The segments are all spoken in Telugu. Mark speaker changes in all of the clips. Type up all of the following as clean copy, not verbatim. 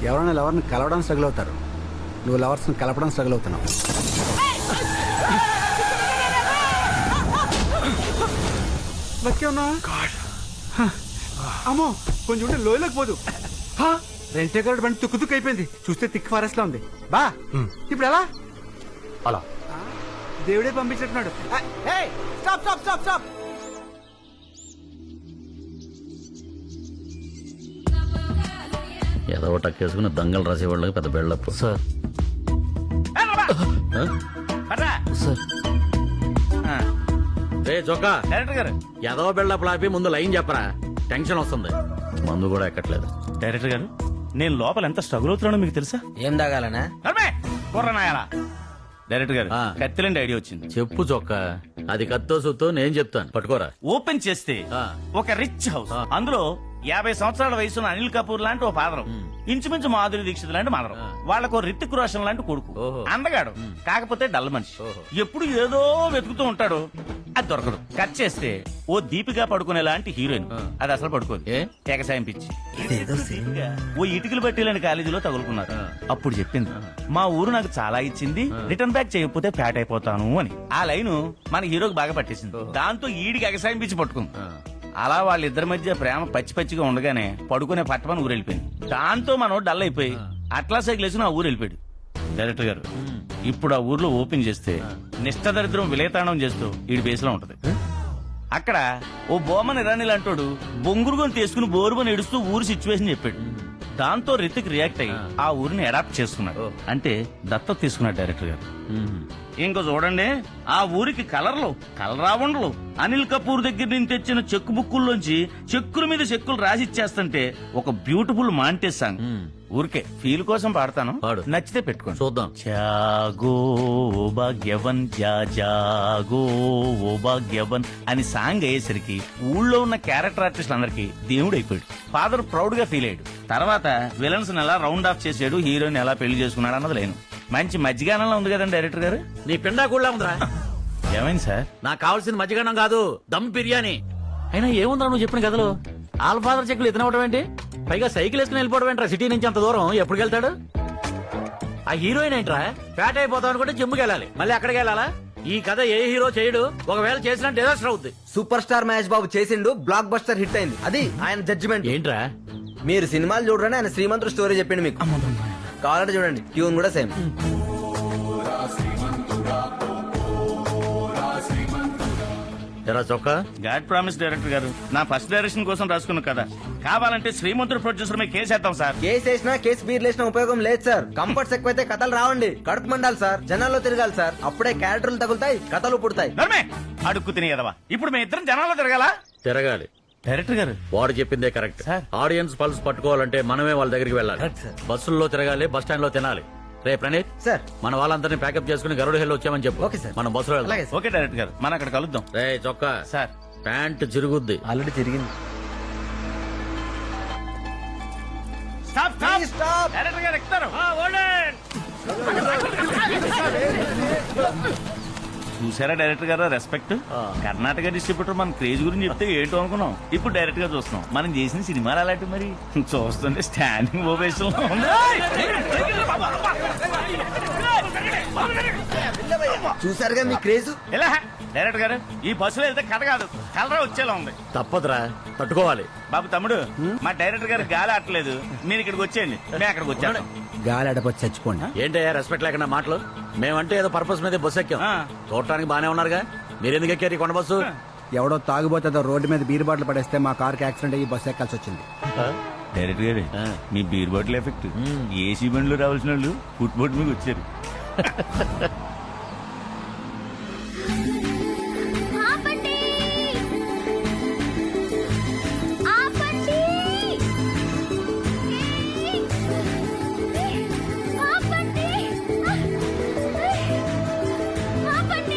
Speaker 1: ఎవరైనా లవర్ని కలవడం స్ట్రగుల్ అవుతారు, నువ్వు లవర్స్ని కలపడం స్ట్రగుల్ అవుతున్నావు. అమ్మో కొంచెం ఉంటే లోయలోకి పోదు. రెంటే కరెక్ట్ బండి తుక్కు తుక్కు అయిపోయింది. చూస్తే థిక్ ఫారెస్ట్ లా ఉంది. బా ఇప్పుడు ఎలా?
Speaker 2: అలా
Speaker 1: దేవుడే పంపించినట్టున్నాడు. Stop stop stop stop.
Speaker 3: ఏదో టక్కేసుకుని దంగలు రాసేవాళ్ళకి పెద్ద బెళ్ళప్పు.
Speaker 2: సార్ సార్
Speaker 3: రే చొక్కా,
Speaker 4: డైరెక్టర్ గారు
Speaker 3: ఏదో బెళ్ళప్పు ఆపి ముందు లైన్ చెప్పరా, టెన్షన్ వస్తుంది. మందు కూడా ఎక్కట్లేదు.
Speaker 4: డైరెక్టర్ గారు నేను లోపల ఎంత స్ట్రగుల్ అవుతున్నానో మీకు తెలుసా?
Speaker 2: ఏం తాగాలనా?
Speaker 4: కుర్రనాయాలా డైరెక్టర్ గారు
Speaker 3: ఆ.
Speaker 4: కత్తిలండి ఐడియా వచ్చింది.
Speaker 3: చెప్పు చొక్కా, అది కత్తో సుత్తో నేను చెప్తాను, పట్టుకోరా.
Speaker 4: ఓపెన్ చేస్తే
Speaker 3: ఆ.
Speaker 4: ఒక రిచ్ హౌస్, అందులో 50 సంవత్సరాల వయసున్న అనిల్ కపూర్ లాంటి ఓ ఫాదరం, ఇంచుమించు మాధురి దీక్షిత్ లాంటి మదరం, వాళ్ళకు రితిక్ రోషన్ లాంటి కొడుకు,
Speaker 3: ఓహో.
Speaker 4: అందగాడు కాకపోతే డల్ మనిషి,
Speaker 3: ఓహో.
Speaker 4: ఎప్పుడు ఏదో వెతుకుతూ ఉంటాడు, అది దొరకదు. కట్ చేస్తే ఓ దీపిగా పడుకునే లాంటి హీరోయిన్, అది అసలు పడుకోదు,
Speaker 3: ఏ?
Speaker 4: ఎగసాయం పిచ్చి. ఓ ఇటుకలు బట్టీలని కాలేజీలో తగులుకున్నారు. అప్పుడు చెప్పింది, మా ఊరు నాకు చాలా ఇచ్చింది, రిటర్న్ బ్యాక్ చేయకపోతే ఫ్యాట్ అయిపోతాను అని. ఆ లైను మన హీరోకి బాగా పట్టేసింది. దాంతో ఈడికి ఎగసాయం పిచ్చి పట్టుకుంది. అలా వాళ్ళిద్దరి మధ్య ప్రేమ పచ్చి పచ్చిగా ఉండగానే పడుకునే పట్టమని ఊరు వెళ్ళిపోయింది. దాంతో మనం డల్ అయిపోయి అట్లా సైకిల్ వేసుకుని ఆ ఊరు వెళ్ళిపోయాడు. డైరెక్టర్ గారు ఇప్పుడు ఆ ఊర్లో ఓపెన్ చేస్తే నిష్టదరిద్రం విలేతాండం చేస్తూ ఈడి బేస్లో ఉంటది. అక్కడ ఓ బోమన్ ఇరానీ లాంటోడు బొంగురుగొని తీసుకుని బోరుమని ఏడుస్తూ ఊరు సిచ్యువేషన్ చెప్పాడు. దాంతో రితిక్ రియాక్ట్ అయ్యి ఆ ఊరిని అడాప్ట్ చేసుకున్నాడు, అంటే దత్తత తీసుకున్నాడు డైరెక్టర్ గారు. ఇంకో చూడండి, ఆ ఊరికి కలరావండలు అనిల్ కపూర్ దగ్గర నుంచి తెచ్చిన చెక్కు బుక్కుల్లోంచి చెక్కుల మీద చెక్కులు రాసిచ్చేస్తుంటే ఒక బ్యూటిఫుల్ మాంటేజ్ సాంగ్. ఊరికే ఫీల్ కోసం పాడతాను,
Speaker 3: పాడు.
Speaker 4: నచ్చితే పెట్టుకోండి.
Speaker 3: చూద్దాం.
Speaker 4: జాగో ఓ భాగ్యవన్ జాగో ఓ భాగ్యవన్ అని సాంగ్ అయ్యేసరికి ఊళ్ళో ఉన్న క్యారెక్టర్ ఆర్టిస్ట్ అందరికి దేవుడు అయిపోయాడు. ఫాదర్ ప్రౌడ్ గా ఫీల్ అయ్యాడు. తర్వాత విలన్స్ ఎలా రౌండ్ ఆఫ్ చేసాడు, హీరోయిన్ ఎలా పెళ్లి చేసుకున్నాడు అన్నది లేను. మంచి మజ్జిగానంలో ఉంది కదండి డైరెక్టర్ గారు.
Speaker 3: నీ పిండా కూడా ఉందిరా.
Speaker 4: ఏమైంది సార్?
Speaker 3: నాకు కావాల్సింది మజ్జిగన్నం కాదు, దమ్ బిర్యానీ. అయినా ఏముందా నువ్వు చెప్పిన కథలో? ఆల్ ఫాదర్ చెక్కులు ఎత్తినవడం ఏంటి? పైగా సైకిల్ వేసుకుని వెళ్ళిపోవడం ఏంట్రా? సిటీ నుంచి అంత దూరం ఎప్పుడు వెళ్తాడు? ఆ హీరోయిన్ ఏంట్రా? ఫ్యాట్ అయిపోతాం అనుకుంటే జిమ్కి వెళ్ళాలి, మళ్ళీ అక్కడికి వెళ్ళాలా? ఈ కథ ఏ హీరో చేయడు, ఒకవేళ చేసినా డిజాస్టర్ అవుద్ది.
Speaker 2: సూపర్ స్టార్ మహేష్ బాబు చేసిండు, బ్లాక్ బస్టర్ హిట్ అయింది, అది ఆయన జడ్జిమెంట్.
Speaker 3: ఏంట్రా?
Speaker 2: మీరు సినిమాలు చూడరని ఆయన శ్రీమంతుడు స్టోరీ చెప్పిండు మీకు. కావాలంటే చూడండి, ట్యూన్ కూడా సేమ్.
Speaker 3: ఎరా చొక్కా,
Speaker 4: గాడ్ ప్రామిస్ డైరెక్టర్ గారు, నా ఫస్ట్ డైరెక్షన్ కోసం రాసుకున్న కదా, కావాలంటే శ్రీమంతుడు ప్రొడ్యూసర్ మీద కేసేద్దాం సార్.
Speaker 2: కేసు వేసినా కేసు బీర్ లేసిన ఉపయోగం లేదు సార్. కంఫర్ట్స్ ఎక్కువైతే కథలు రావండి, కడుపు మండాలి సార్, జనాల్లో తిరగాలి సార్, అప్పుడే క్యారెక్టర్లు తగులుతాయి, కథలు పుడతాయి.
Speaker 4: నర్మే అడుక్కు తినేదవా, ఇప్పుడు మేము ఇద్దరం జనాల్లో తిరగాల?
Speaker 3: తిరగాలి.
Speaker 4: డైరెక్టర్ గారు
Speaker 3: వాడు చెప్పిందే కరెక్ట్.
Speaker 4: సార్.
Speaker 3: ఆడియన్స్ పల్స్ పట్టుకోవాలంటే మనమే వాళ్ళ దగ్గరికి వెళ్ళాలి.
Speaker 2: Correct sir.
Speaker 3: బస్సుల్లో తిరగాలి, బస్ స్టాండ్ లో తినాలి. రే ప్రణీత్,
Speaker 2: సార్.
Speaker 3: మన వాళ్ళందరినీ ప్యాకప్ చేసుకుని గరుడు హెల్ వచ్చామని చెప్పు.
Speaker 2: Okay sir.
Speaker 3: మనం బస్సులో వెళ్దాం.
Speaker 2: అలాగే సార్.
Speaker 4: ఓకే డైరెక్టర్ గారు, మనం అక్కడ కలుద్దాం.
Speaker 3: రే చొక్కా,
Speaker 4: సార్
Speaker 3: ప్యాంట్ చిరుగుద్ది.
Speaker 2: ఆల్రెడీ తిరిగింది.
Speaker 4: Stop
Speaker 2: Please stop.
Speaker 4: డైరెక్టర్ గారు ఎక్కుతారు. చూసారా డైరెక్టర్ గారు రెస్పెక్ట్? కర్ణాటక డిస్ట్రిబ్యూటర్ మన క్రేజ్ గురించి చెప్తే ఏంటో అనుకున్నాం, ఇప్పుడు డైరెక్ట్ గా చూస్తున్నాం. మనం చేసిన సినిమాలు అలాంటి మరి చూస్తుంటే స్టాండింగ్ ఓవేషన్ లో ఉంది.
Speaker 2: చూసారుగా మీ క్రేజ్.
Speaker 4: ఎలా డైరెక్టర్ గారు, ఈ బస్సులో వెళ్తే కథ కాదు కలరా వచ్చేలా ఉంది.
Speaker 3: తప్పదురా, తట్టుకోవాలి.
Speaker 4: బాబు తమ్ముడు, మా డైరెక్టర్ గారు గాలి ఆటలేదు, మీరు ఇక్కడికి వచ్చేయండి, మేము అక్కడికి వచ్చాను.
Speaker 1: గాలి అడపచ్చి చచ్చిపోండి.
Speaker 3: ఏంటయ్యా రెస్పెక్ట్ లేకుండా మాటలు? మేమంటే ఏదో పర్పస్ మీద బస్సు ఎక్కాం,
Speaker 4: ఆ.
Speaker 3: చూడటానికి బానే ఉన్నారుగా. మీరెందుకు ఎక్కారు ఈ కొండ బస్సు?
Speaker 1: ఎవడో తాగుబోతే రోడ్డు మీద బీర్ బాటిల్ పడేస్తే మా కార్కి యాక్సిడెంట్ అయ్యి బస్సు ఎక్కాల్సి వచ్చింది.
Speaker 4: డైరెక్టర్ గారు, మీ బీర్ బాటిల్ ఎఫెక్ట్ ఏసీ బండ్లో రావాల్సిన వాళ్ళు ఫుట్ బోర్డు మీద వచ్చారు.
Speaker 5: ఆపండి! ఆపండి! ఆపండి! ఆపండి!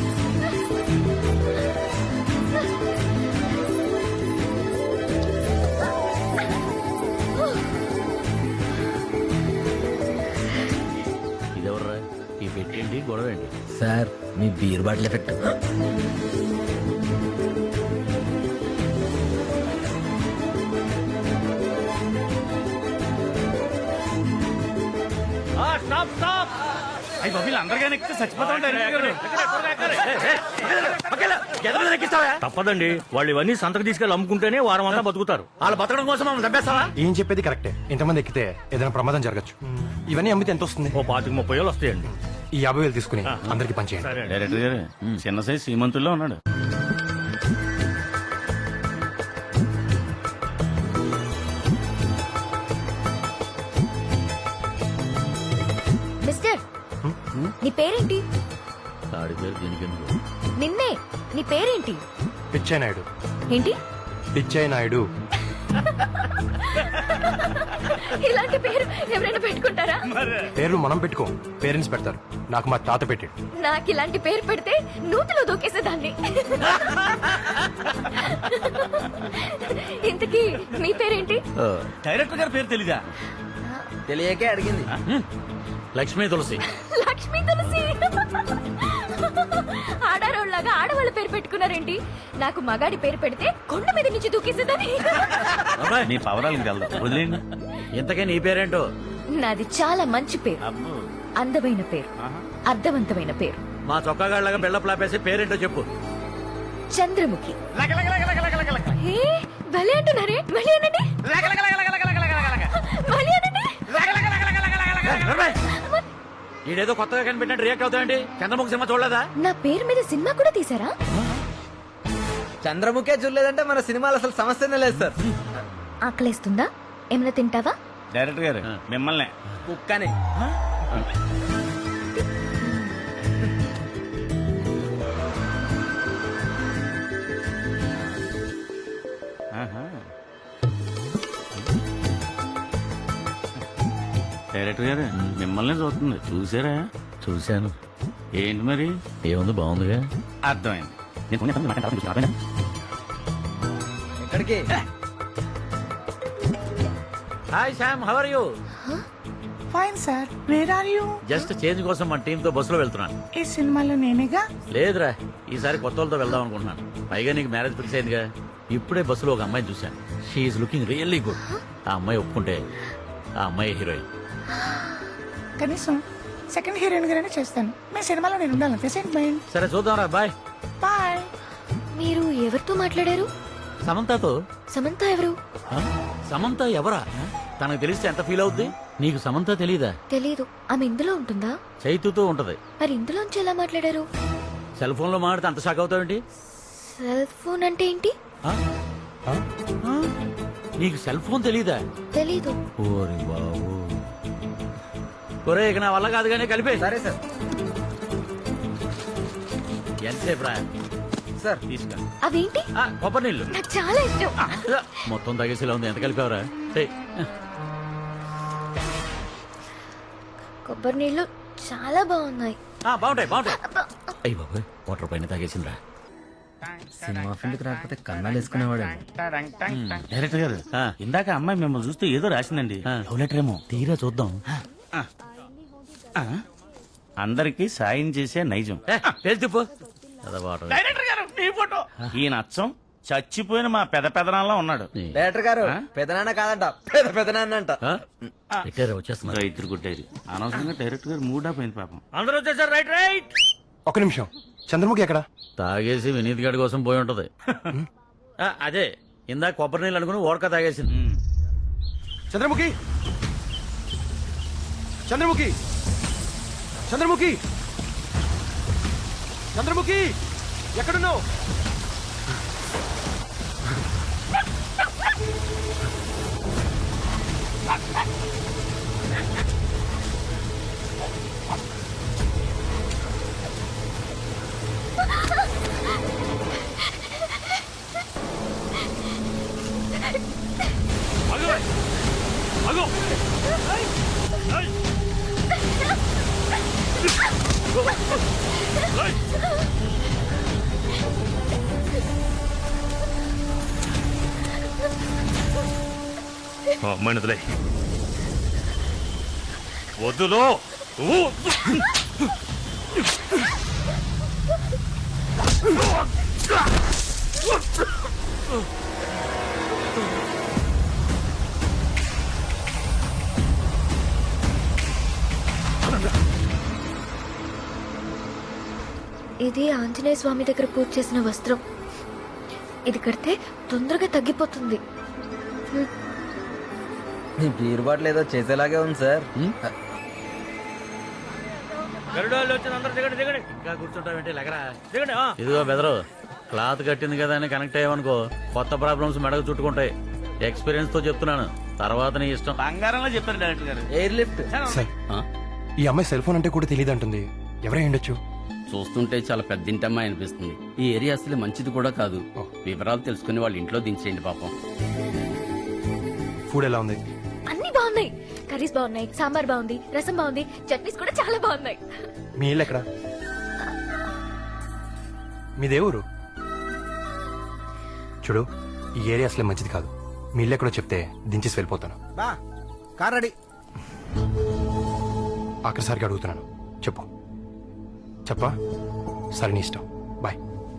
Speaker 3: ఇదెవర్రా? ఈ పెట్టేంటి, గొడవ ఏంటి?
Speaker 2: సార్ మీ బీర్ బాటిల్ ఎఫెక్ట్.
Speaker 4: అయ్యి బాబు వీళ్ళందరికీ ఎక్కితే చచ్చిపోతా
Speaker 3: తప్పదండి, వాళ్ళు ఇవన్నీ సంతకు తీసుకెళ్ళి అమ్ముకుంటేనే వారం అంతా బతుకుతారు. వాళ్ళు బతకడం కోసం మమ్మల్ని చంపేస్తావా?
Speaker 6: ఏం చెప్పేది కరెక్టే. ఇంతమంది ఎక్కితే ఏదైనా ప్రమాదం జరగచ్చు. ఇవన్నీ అమ్మితే ఎంత వస్తుంది?
Speaker 3: ఓ 25-30 వస్తాయండి.
Speaker 6: ఈ 50,000 తీసుకుని అందరికి పంచేయండి.
Speaker 3: సరే అండి.
Speaker 4: డైరెక్టర్ గారు చిన్న సైజ్ శ్రీమంతుల్లో ఉన్నాడు.
Speaker 5: మిస్టర్ నీ పేరేంటి?
Speaker 3: ఆడి పేరు దీనికి ఎందుకు?
Speaker 5: నిన్నే. నీ పేరేంటి?
Speaker 6: పిచ్చయ్య నాయుడు.
Speaker 5: ఏంటి?
Speaker 6: పిచ్చయ్య నాయుడు.
Speaker 5: ఇలాంటి పేరు ఎవరైనా పెట్టుకుంటారా?
Speaker 6: పేర్లు మనం పెట్టుకో, పేరెంట్స్ పెడతారు. నాకు మా తాత పెట్టాడు.
Speaker 5: నాకు ఇలాంటి పేరు పెడితే నూతిలో దూకేసేదాన్ని. ఇంతకీ మీ పేరేంటి?
Speaker 4: డైరెక్టర్ గారి పేరు తెలీదా?
Speaker 2: తెలియకే అడిగింది.
Speaker 3: లక్ష్మీ తులసి.
Speaker 5: లక్ష్మీ తులసి. ఆడారోళ్ళగా ఆడవాళ్ళ పేరు పెట్టుకున్నారేంటి? నాకు మగాడి పేరు పెడితే కొండ మీద నుంచి దూకేసేదాన్ని.
Speaker 4: మీ పవరాలకు వెళ్దాం, వదిలేండి.
Speaker 3: ఇంతకే నీ పేరేంటో?
Speaker 5: నాది చాలా మంచి పేరు,
Speaker 4: అబ్బో.
Speaker 5: అందమైన పేరు, అర్థవంతమైన పేరు.
Speaker 3: మా చొక్కాగాళ్ళగా బిల్డప్ లాపేసి పేరేంటో చెప్పు.
Speaker 5: చంద్రముఖి. ఏ, భలే అంటున్నారే. మళ్ళీ అనండి. మళ్ళీ అనండి.
Speaker 3: ఈడేదో కొత్తగా కనిపెట్టినట్టు రియాక్ట్ అవుతాయండి. చంద్రముఖి సినిమా చూడలేదా?
Speaker 5: నా పేరు మీద సినిమా కూడా తీసారా?
Speaker 2: చంద్రముఖే చూడలేదంటే మన సినిమాలు అసలు సమస్యనే లేదు సార్.
Speaker 5: ఆకలేస్తుందా? ఏమైనా తింటావా?
Speaker 4: డైరెక్టర్ గారు మిమ్మల్ని
Speaker 2: కుక్కని.
Speaker 4: డైరెక్టర్ గారు మిమ్మల్ని చూస్తుంది, చూసారా?
Speaker 3: చూశాను.
Speaker 4: ఏంటి మరి?
Speaker 3: ఏముంది, బాగుందిగా.
Speaker 4: అర్థమైంది. నేను ఫోన్ చేస్తాను, మాట్లాడతాను, చూసుకో, అర్థమైందా?
Speaker 2: ఎక్కడికి?
Speaker 3: Hi Sam, how are you?
Speaker 7: Fine sir, where are you?
Speaker 3: Just change కోసం మన టీమ్ తో బస్సులో వెళ్తున్నాను.
Speaker 7: ఈ సినిమాలో నేనేగా.
Speaker 3: లేదురా, ఈసారి కొత్త వాళ్ళతో వెళ్దాం అనుకుంటున్నాను. పైగా నీకు మ్యారేజ్ ఫిక్స్ అయిందిగా. ఇప్పుడే బస్సులో ఒక అమ్మాయిని చూశాను. She's looking really good. ఆ అమ్మాయి ఒప్పుకుంటే ఆ అమ్మాయి హీరోయిన్.
Speaker 7: కనీసం సెకండ్ హీరోయిన్ గానే చేస్తాను. మీ సినిమాలో నేను ఉండాలి. సెంటిమెంట్.
Speaker 3: సరే చూద్దాంరా, బాయ్.
Speaker 7: బాయ్.
Speaker 5: మీరు ఎవరితో మాట్లాడారు?
Speaker 3: సమంతతో.
Speaker 5: సమంత ఎవరు?
Speaker 3: ఆ? సమంత ఎవరా? తనకు తెలిస్తే ఎంత ఫీల్ అవుద్ది? నీకు సమంత తెలీదా?
Speaker 5: తెలీదు. ఆమె ఇందులో ఉంటుందా?
Speaker 3: చైతుతో ఉంటది.
Speaker 5: మరి ఇందులోంచి ఎలా మాట్లాడారు?
Speaker 3: సెల్ ఫోన్ లో మాట్లాడితే అంత షాక్ అవుతావేంటి?
Speaker 5: సెల్ ఫోన్ అంటే ఏంటి?
Speaker 3: ఆ? ఆ? నీకు సెల్ ఫోన్ తెలీదా?
Speaker 5: తెలీదు.
Speaker 3: ఓరి బాబు. ఒరే, ఇక నా వల్ల కాదు కానీ కలిపే.
Speaker 2: సరే సార్.
Speaker 3: ఎంతసేపు రా?
Speaker 2: సార్
Speaker 4: తీసుకా.
Speaker 5: అవేంటి?
Speaker 3: కొబ్బరి నీళ్ళు.
Speaker 5: నాకు చాలా ఇష్టం.
Speaker 3: మొత్తం తగేసేలా ఉంది. ఎంత కలిపావరా?
Speaker 5: కొబ్బరి నీళ్ళు చాలా బాగున్నాయి.
Speaker 3: బాగుంటాయి, బాగుంటాయి. అయ్యి బాబు, వాటర్ పైన తాగేసిందిరా.
Speaker 2: సినిమా ఫీల్డ్కి రాకపోతే కన్నాలు వేసుకునేవాడు.
Speaker 4: డైరెక్టర్ గారు
Speaker 3: ఆ.
Speaker 4: ఇందాక అమ్మాయి మిమ్మల్ని చూస్తే ఏదో రాసిందండి.
Speaker 3: ఆ.
Speaker 4: లవ్ లెటర్ ఏమో.
Speaker 3: తీరా చూద్దాం.
Speaker 4: అందరికి సాయం చేసే నైజం.
Speaker 3: తిప్పు. అదే వాటర్.
Speaker 4: డైరెక్టర్ గారు మీ ఫోటో. ఈయన అచ్చం చచ్చిపోయిన మా పెదనాన్న ఉన్నాడు.
Speaker 2: డైరెక్టర్ గారు పెదనాన్న కాదంట, పెదనాన్న అంట.
Speaker 3: పెట్టారా? వచ్చేస్తున్నారు.
Speaker 4: ఇద్దరు కొట్టేది అనవసరంగా డైరెక్టర్ గారు మూడ్ ఆఫ్ అయింది పాపం.
Speaker 3: అందరూ వచ్చేసారు. Right right.
Speaker 6: ఒక్క నిమిషం, చంద్రముఖి ఎక్కడ?
Speaker 3: తాగేసి వినీత్ గారి కోసం పోయి ఉంటది. అదే ఇందాక కొబ్బరి నీళ్ళు అనుకుని ఓడక తాగేసింది.
Speaker 6: చంద్రముఖి, చంద్రముఖి, చంద్రముఖి, చంద్రముఖి, ఎక్కడున్నావు?
Speaker 8: అమ్మాయిని వదిలే. వద్దులో.
Speaker 5: ఇది ఆంజనేయ స్వామి దగ్గర పూజ చేసిన వస్త్రం. ఇది కడితే తొందరగా తగ్గిపోతుంది.
Speaker 2: మీ బీర్ బాటిల్ ఏదో చేసేలాగే ఉంది సార్.
Speaker 3: ఇంకా కూర్చుంటావేంటి లెగరా. ఇదిగో బెదరు, క్లాత్ కట్టింది కదా అని కనెక్ట్ అయ్యావనుకో కొత్త ప్రాబ్లమ్స్ మెడకు చుట్టుకుంటాయి. ఎక్స్పీరియన్స్ తో చెప్తున్నాను, తర్వాత నీ ఇష్టం.
Speaker 4: బంగారంలో చెప్పారు డైరెక్టర్ గారు.
Speaker 2: Air lift.
Speaker 6: సార్ ఈ అమ్మాయి సెల్ ఫోన్ అంటే కూడా తెలియదు అంటుంది. ఎవరై ఉండొచ్చు?
Speaker 9: చూస్తుంటే చాలా పెద్ద ఇంటమ్మాయి అనిపిస్తుంది. ఈ ఏరియా అసలు మంచిది కూడా కాదు. వివరాలు తెలుసుకుని వాళ్ళ ఇంట్లో దించేయండి పాపం.
Speaker 6: ఫుడ్ ఎలా ఉంది?
Speaker 5: అన్ని బాగున్నాయి. కర్రీస్ బాగున్నాయి, సాంబార్ బాగుంది, రసం బాగుంది, చట్నీస్ కూడా చాలా బాగున్నాయి.
Speaker 6: మీ ఇల్లు ఎక్కడ? మీదే ఊరు? చూడు, ఈ ఏరియా అసలే మంచిది కాదు. మీ ఇల్లు ఎక్కడో చెప్తే దించేసి వెళ్ళిపోతాను.
Speaker 1: బా కార్ రెడీ.
Speaker 6: ఆఖరిసారిగా అడుగుతున్నాను, చెప్పు. చెప్పా? సరే, నీ ఇష్టం. బాయ్.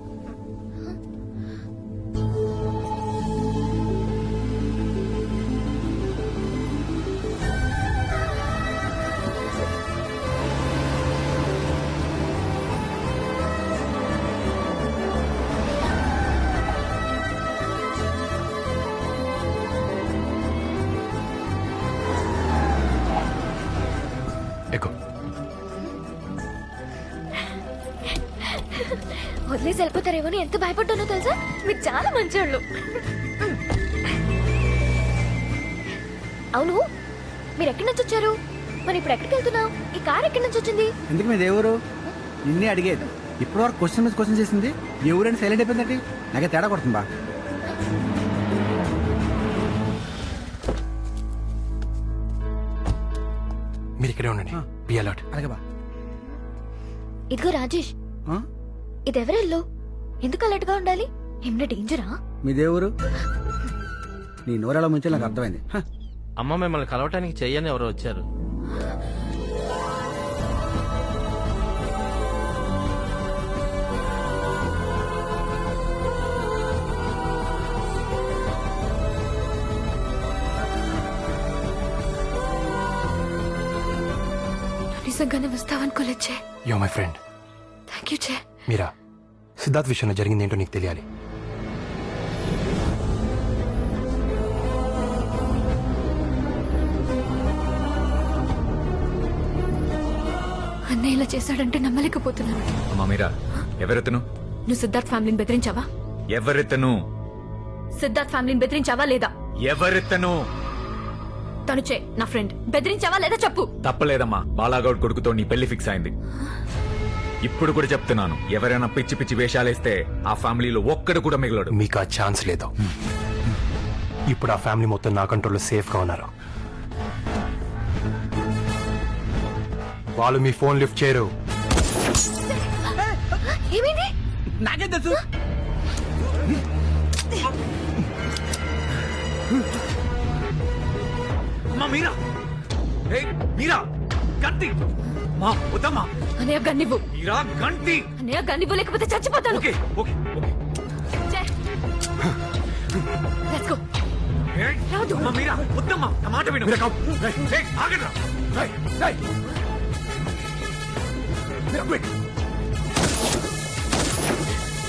Speaker 6: ఎక్కు.
Speaker 5: వదిలేసి వెళ్ళిపోతారేమో అని ఎంత భయపడ్డానో తెలుసా. మీరు చాలా మంచోళ్ళు. అవును, మీరు ఎక్కడి నుంచి వచ్చారు? మరి ఇప్పుడు ఎక్కడికి వెళ్తున్నావు? ఈ కార్ ఎక్కడి నుంచి వచ్చింది?
Speaker 1: ఎందుకు మీ దేవురు నిన్నే అడిగేది. ఇప్పటి వరకు క్వశ్చన్ మీద క్వశ్చన్ చేసింది. ఎవరైనా సైలెంట్ అయిపోయిందంటే నాకే తేడా కొడుతుంది బా.
Speaker 6: మీరు ఇక్కడే ఉండండి. Be alert.
Speaker 1: అలాగే బా.
Speaker 5: ఇదిగో రాజేష్, ఇదెవరెల్లో? ఎందుకు అలర్ట్ గా ఉండాలి? ఏమన్నా డేంజరా?
Speaker 1: మీ దేవురు నీ నోరాల ముంచే నాకు అర్థమైంది.
Speaker 3: అమ్మ మిమ్మల్ని కలవటానికి చెయ్యని ఎవరో వచ్చారు.
Speaker 5: నిజంగానే వస్తావనుకోలేచ్చే.
Speaker 6: Yo my friend.
Speaker 5: Thank you చే.
Speaker 6: మీరా, సిద్ధార్థ్ విషయంలో జరిగింది ఏంటో నీకు తెలియాలి.
Speaker 5: అన్నయ్య ఇలా చేశాడంటే నమ్మలేకపోతున్నాను.
Speaker 10: అమ్మా మీరా, ఎవరెతను?
Speaker 5: నువ్వు సిద్ధార్థ్ ఫ్యామిలీని బెదిరించావా?
Speaker 10: ఎవరెతను?
Speaker 5: సిద్ధార్థ్ ఫ్యామిలీని బెదిరించావా లేదా?
Speaker 10: ఎవరెతను?
Speaker 5: తను చే నా ఫ్రెండ్. బెదిరించావా లేదా చెప్పు.
Speaker 10: తప్పలేదమ్మా, బాలాగౌడ్ కొడుకుతో నీ పెళ్లి ఫిక్స్ అయింది. ఇప్పుడు కూడా చెప్తున్నాను, ఎవరైనా పిచ్చి పిచ్చి వేషాలేస్తే ఆ ఫ్యామిలీలో ఒక్కడు కూడా మిగలడు.
Speaker 6: మీకు ఆ ఛాన్స్ లేదు. ఇప్పుడు ఆ ఫ్యామిలీ మొత్తం నా కంట్రోల్లో సేఫ్ గా ఉన్నారు. వాళ్ళు మీ ఫోన్ లిఫ్ట్ చేయరు.
Speaker 5: ఏమైంది?
Speaker 1: నాకేం తెలుసు.
Speaker 10: అమ్మా మీరా, ఏయ్ మీరా, గంటి మా వద్దమ్మా.
Speaker 5: అన్నయ్య గన్నివ్వు.
Speaker 10: మీరా గంటి.
Speaker 5: అన్నయ్య గన్నివ్వు, లేకపోతే చచ్చిపోతాను.
Speaker 10: Okay okay okay.
Speaker 5: Let's go.
Speaker 10: ఏయ్,
Speaker 5: రాదు.
Speaker 10: అమ్మా మీరా, వద్దమ్మా, నా మాట విను. ఏయ్, ఆగండ్రా. ఏయ్, ఏయ్. మీరా, wait.